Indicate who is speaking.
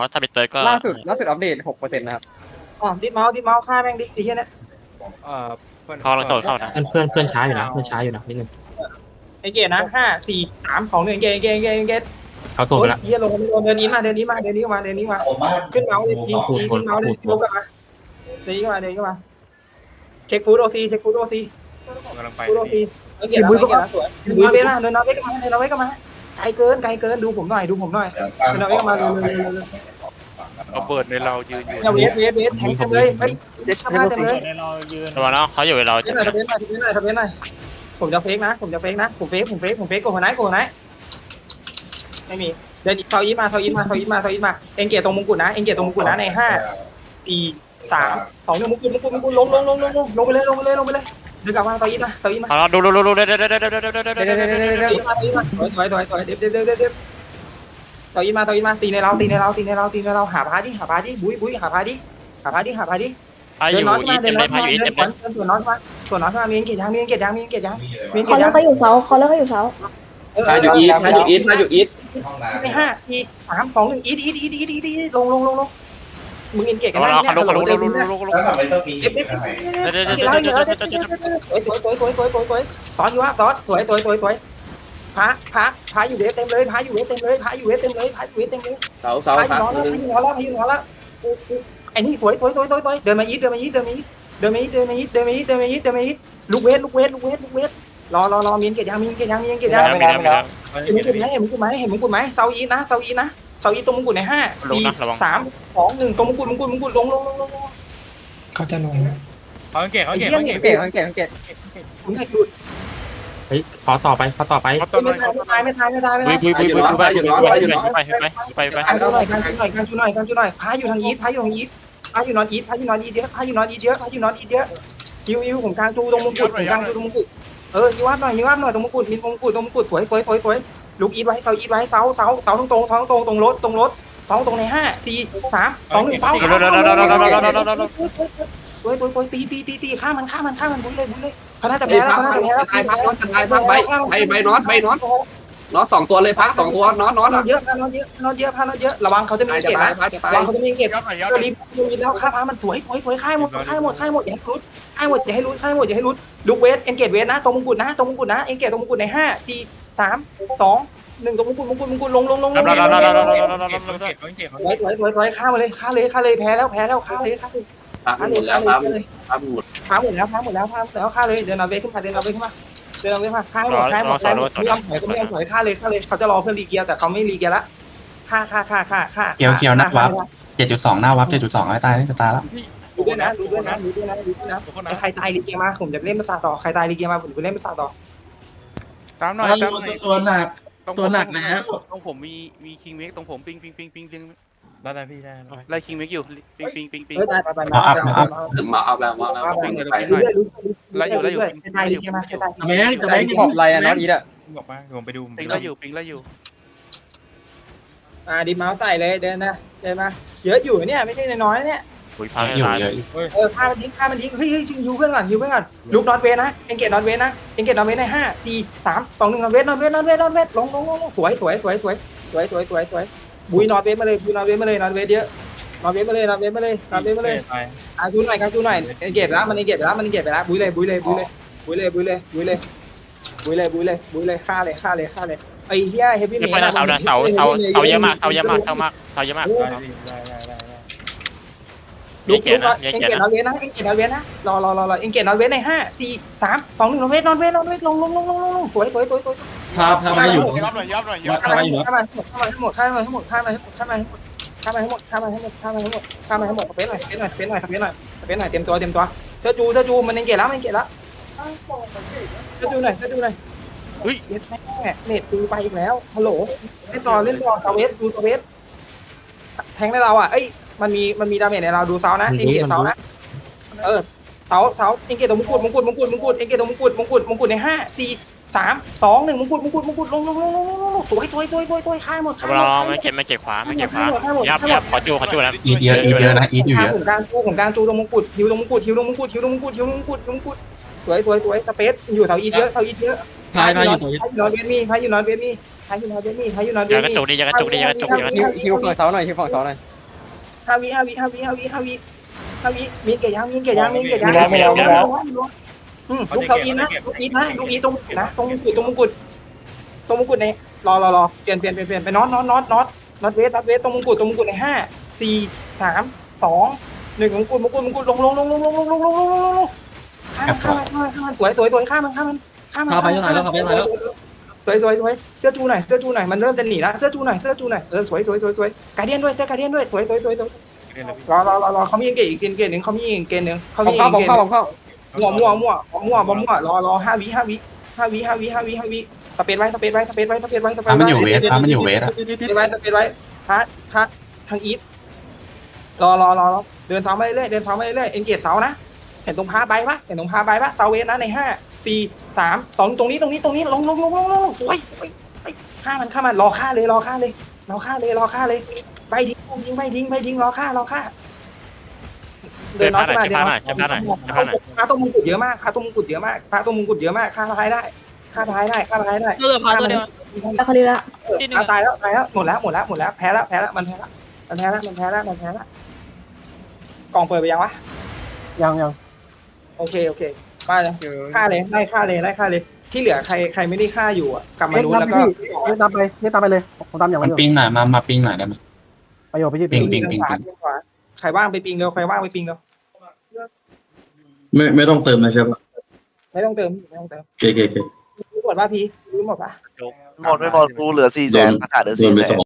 Speaker 1: ราะถ้าเป็นเติร์ดก็
Speaker 2: ล่าสุดอัปเดต 6%นะครับ
Speaker 3: อ๋อดิสเมาส์ฆ่าแม่งดิไอ้เหี้ยเนี่ย
Speaker 1: เขาลังโซนเข้านะ
Speaker 4: เพื่อนช้าอยู่นะนิดนึง
Speaker 3: ไอ้เกตนะ5 4 3 2 1เกต
Speaker 4: เขาตัวไปละ
Speaker 3: เหี้ยลงเดินนี้มาขึ้นเมาส์เลยขึ้นเมาส์เลยลงกันมาเดินมาเช็คฟูดโอซี
Speaker 5: กำลังไป
Speaker 3: ฟูดโอซีไอ้เกตแล้วสวยเดินนอร์เวย์กันมาไกลเกินดูผมหน่อยเดินนอร์เวย์กันมาเร็ว
Speaker 5: เอาเบิร์ดในเรายืนอยู่
Speaker 3: เวทแทงเต็มเลยเฮ้ยเด็ดข้าเต็มเลย
Speaker 5: ในเรายืน
Speaker 1: ระวังนะเขาอยู่กับเรา
Speaker 3: ทะเบียนหน่อยผมจะเฟกนะผมเฟกโกหัวไหนไม่มีเดินเซาอีมาเอ็งเกียร์ตรงมงกุฎนะใน5 4 3 2 1มงกุฎลงไปเลยเดินกลับมาเซาอีมา
Speaker 1: เอาดูเดี๋ยว
Speaker 3: สวยมาตีในเราหาพาดิบุ้ยหาพาดิ
Speaker 1: พาอยู่อีเต็มเลยพาอยู่อีเต็มเลย
Speaker 3: ส่วนน้อยมามีเกียรติยัง
Speaker 6: เขาเลิกเขาอยู่เสา
Speaker 2: มาอยู่อีท
Speaker 3: ใน5 4 3 2 1อีทลงมึงอินเกียรติกันได้เนี่ยลง
Speaker 7: แล้วทำไมต้องมี
Speaker 3: สวยซอสอยู่ซอสสวยพาอยู่เวทเต็มเลยพาอยู่เวทเต็มเลยเสาพาอยู่นอนแล้วไอ้นี่สวยเดินมายิดลูกเวทรอมีนเกียรติยังมีนเกียรติยัง
Speaker 1: มี
Speaker 3: เห็นมึงกูไหมเซาอีนะเซาอีตรงมงกุฎใน5 4 3 2 1ตรงมงกุฎลง
Speaker 4: เขาจะลง
Speaker 5: เขาเก่ง
Speaker 2: เกต
Speaker 3: มึงให้หลุด
Speaker 4: เฮ้ยขอต่อไป
Speaker 3: ไม่ตาย
Speaker 1: บุยไป
Speaker 3: กันชูหน่อยพาอยู่ทางอีทพาอยู่นอนอีทเยอะฮิวผมกลางจูตรงมงกุฎยิงวับหน่อยตรงมงกุฎมีมงกุฎสวยลูกอีทไว้เสาตรงรถใน5 4 3 2 1ตีฆ่ามันบุ้ยเลยเขาน่าจะแพ้แล้ว
Speaker 2: ตายพักน็อตจะตายพักใบน็อต2ตัวเลยพัก2ตัวน็อต
Speaker 3: เยอะระวังเขาจะมีเกตนะระวังเขาจะมีเกตรีบแล้วฆ่าพามันสวยฆ่าหมดอย่าให้รุดอย่าให้รุดลูกเวทเอ็นเกตเวทนะตรงมงกุฎนะเอ็นเกตตรงมงกุฎใน5 4 3 2 1ตรงมงกุฎลงสวยฆ่ามาเลยแพ้แล้วฆ่าเลยฆ่าหมดแล้วฆ่าเลยเดินเอาเวทขึ้นมาฆ่าหมดไม่ยอมถอยฆ่าเลยเขาจะรอเพื่อนรีเกียร์แต่เขาไม่รีเกียร์ละฆ่า
Speaker 8: เกียวนักวับ7.2หน้าวับ7.2ไอ้ตายนี่จะตายแล้ว
Speaker 3: ดูด้วยนะใครตายรีเกียร์มาผมจะเล่นภาษาต่อใครตายรีเกียร์มาผมจะเล่นภาษาต่อ
Speaker 5: ตามหน่อย
Speaker 7: ตัวหนักนะฮะ
Speaker 5: ตรงผมมีคิงเมกตรงผมปิงได้พี่ได้ไล่คิงเมกอยู่ปิง
Speaker 3: ได้ไป
Speaker 2: ถึงมาเอาแล้วไป
Speaker 5: ไล่อยู่
Speaker 3: ใครตายรีเกียร์มาใครตาย
Speaker 2: แม่งจะได้ขอบไรอะน็อตอีทอะ
Speaker 5: บอกมาผมไปดูปิงไล่อยู่
Speaker 3: ดิเมาส์ใส่เลยเดินมาเยอะอยู่เนี่ยไม่ใช่น้อยเนี่ย
Speaker 1: บุยพัง
Speaker 8: อยู่
Speaker 1: ตาย
Speaker 8: เยอะ
Speaker 3: ฆ่ามันทิ้งเฮ้ยฮิวเพื่อนก่อนลูกนอนเวนะเอ็นเกตนอนเวนะใน5 4 3 2 1นอนเวลงสวยบุยนอนเวมาเลยนอนเวเยอะนอนเวมาเลยจูหน่อยเอ็นเกตแล้วมันเอ็นเกตไปแล้วบุยเลยฆ่าเลยไอ้เหี้ยเฮฟวี่เมย์
Speaker 1: ไม่นะเสาเยอะมากเ
Speaker 3: ลูกเอ็นเกตนอนเวนะรอเอ็นเกตนอนเวใน5 4 3 2 1นอนเวลงสวย
Speaker 2: พามาอยู่
Speaker 5: ยับหน่อย
Speaker 3: ฆ่ามาให้หมดสเปซหน่อยเตรียมตัวเจ้าจูมันเอ็นเกตแล้วเจ้าจูหน่อยเฮ้ยเน็ตดูไปอีกแล้วฮัลโหลเล่นต่อเซาเวสดูเซาเวสแทงในเราอ่ะเอ้ยมันมีดาเมจในเราดูเซานะเอ็นเกตเซานะเซาเอ็นเกตตรงมงกุฎเอ็นเกตตรงมงกุฎใน5 4 3 2 1มงกุฎลงสวยฆ่าหมด
Speaker 1: เราไม่เก็บขวายับขอจูนะ
Speaker 8: อีทเยอะนะอีทอยู่เยอะ
Speaker 3: ผมกลางจูตรงมงกุฎฮิวตรงมงกุฎสวยสเปซอยู่เสาอีเยอะ
Speaker 2: พายอยู่ตัว
Speaker 3: พายอยู่นอนเวทมี
Speaker 1: อย่ากระจุกดิ
Speaker 2: ฮิวฝั่งเสาหน่อย
Speaker 3: 5 วิมีเกียร์ยางลูกเสาอีนะลูกอีตรงนะตรงมงกุฎในรอเปลี่ยนไปน็อตเวสตรงมงกุฎใน5 4 3 2 1มงกุฎลงข้ามสวยข้ามมันเข้าไปยังไงแล้วสวยเสื้อจูหน่อยมันเริ่มจะหนีแล้วเสื้อจูหน่อยสวยการเดียนด้วยสวยรอเขามีเกณฑ์อีกเกณฑ์หนึ่งเขามีเกณฑ์หนึ่งเขามีผมเข้ามั่วรอ5 วิสเปซไว้
Speaker 8: มันอยู่เวทมันอยู่เวทอะ
Speaker 3: สเปซไว้พัดทางอีทรอเดินเท้ามาเรื่อยเอ็นเกตเสานะเห็นตรงพาใบปะเสาเวทนะใน5 4 3 2ตรงนี้ลงสวยฆ่ามันรอฆ่าเลยใบทิ้งรอฆ่าเดินน็อตมาพาตรงมงกุฎเยอะมากฆ่าท้ายได้
Speaker 6: เลือกพาตัวเดียวเขาดีละ
Speaker 3: ตายแล้วหมดแล้วแพ้แล้วมันแพ้แล้วกล่องเปิดไปยังวะยังโอเคมาเลยฆ่าเลยไล่ฆ่าเลยที่เหลือใครไม่ได้ฆ่าอยู่อ่ะกลับมาดูแล้วก็นี่ตามไปเลยผมตามอย่าง
Speaker 8: มันปิงหน่อยมาปิงหน่อยได้ไหม
Speaker 3: ประโยชน์ไปที่ปิงใครว่างไปปิงเร็ว
Speaker 7: ไม่ต้องเติมนะใช่ปะ
Speaker 3: ไม่ต้องเติม
Speaker 7: โอเค
Speaker 3: รู้หมดป่ะพี่รู้หมดป่ะ
Speaker 9: หมดไม่หมดกูเหลือ400,000ประสาทเหลือ400,000